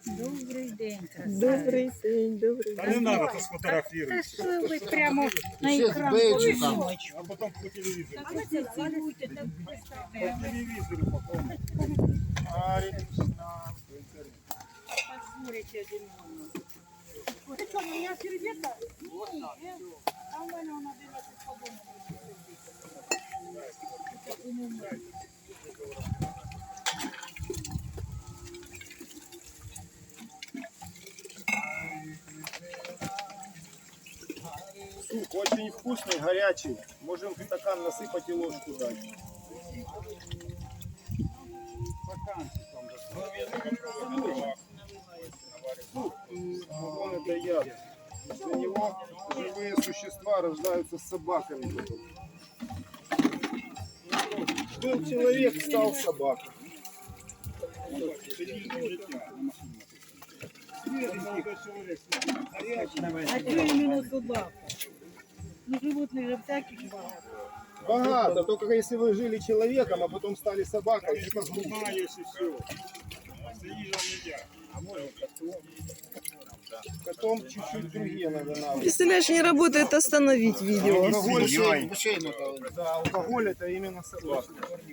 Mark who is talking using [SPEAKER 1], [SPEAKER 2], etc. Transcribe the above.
[SPEAKER 1] Добрий день,
[SPEAKER 2] Добрий день, добрий
[SPEAKER 3] Та
[SPEAKER 2] день.
[SPEAKER 3] не надо, то
[SPEAKER 1] Та
[SPEAKER 3] сфотографируйте.
[SPEAKER 1] що ви прямо на
[SPEAKER 4] Ще
[SPEAKER 1] екран
[SPEAKER 4] з бейджиком.
[SPEAKER 1] повісили?
[SPEAKER 3] А потом по телевизору.
[SPEAKER 1] А ви це цілуйте, так
[SPEAKER 3] По
[SPEAKER 1] представляємо.
[SPEAKER 3] телевизору потом.
[SPEAKER 1] Позволите один одному. Ты что, у меня сердечко? Нет, а у мене вона дивиться по-дому.
[SPEAKER 5] Суп очень вкусный, горячий. Можем в стакан насыпать и ложку дать. Суп, вон это яд. Из-за него живые существа рождаются с собаками потом. Был человек, стал собакой.
[SPEAKER 1] А что именно собака? Ну, животных же всяких багато.
[SPEAKER 5] Богато, только если вы жили человеком, а потом стали собакой, это глупо.
[SPEAKER 3] Знаешь и все. Заезжал нельзя. А может котом.
[SPEAKER 5] Потом чуть-чуть другие надо навыки.
[SPEAKER 2] Представляешь, не работает остановить видео.
[SPEAKER 5] Алкоголь,
[SPEAKER 4] Свиньей.
[SPEAKER 5] да, алкоголь это именно собака.